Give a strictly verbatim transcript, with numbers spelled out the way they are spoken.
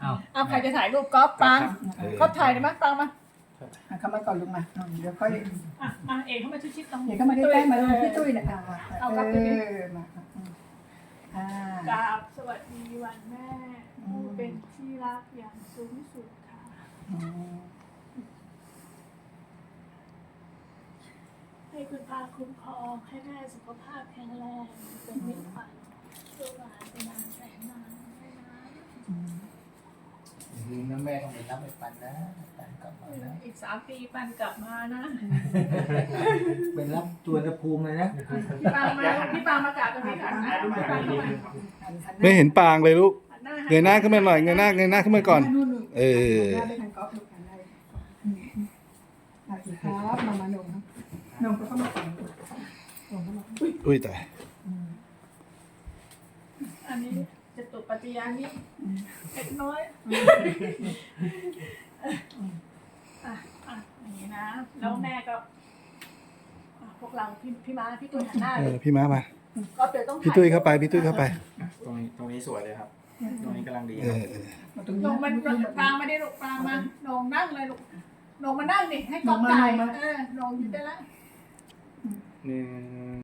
เอาใครจะถ่ายรูปก๊อฟปังก๊อฟถ่ายได้ไหมปังมาเข้ามาก่อนลุงมาเดี๋ยวค่อยอ่ะมาเอกเข้ามาชิดๆตรงเดี๋ยวเข้ามาใกล้ๆมาเลยพี่ตุ้ยเนี่ยอ่าเออมาอ่ากราบสวัสดีวันแม่ผู้เป็นที่รักอย่างสูงสุดค่ะให้คุณพาคุ้มครองให้แม่สุขภาพแข็งแรงเป็นมิตรฝันช่วยหลานเป็นนานแสนนานไม่นานลืมนะแม่ต้องไปรับไปปันนะปันกลับมานะอีกสามปีปันกลับมานะไปรับตัวนภูมิเลยนะพี่ปางมาพี่ปางมากราบตรงนี้ก่อนนะพี่ปางเข้ามาไม่เห็นปางเลยลูกหันหน้าเงยหน้าขึ้นมาหน่อยเงยหน้าเงยหน้าขึ้นมาก่อน เออได้ทางก๊อฟลูกกันได้สวัสดีครับมามาหนุ่มหนุ่มก็เข้ามาก่อนหนุ่มเข้ามาอุ้ยแต่อันนี้จะตุปัจจยานี้เล็กน้อยอ่ะอ่ะอย่างนี้นะแล้วแม่ก็อ่ะพวกเราพี่พี่ม้าพี่ตุ้ยหันหน้าเอเลอย พี่ม้ามาก็เดี๋ยวต้องพี่ตุ้ยเข้าไปพี่ตุ้ยเข้าไปตรงนี้ตรงนี้สวยเลยครับ ตรงนี้กำลังดีเอครับอเออลงมันปางมาได้ลูกปางมาลงนั่งเลยลูกลงมานั่งดิให้กล้องถ่ายเออลงอยู่ได้แล้วหนึ่ง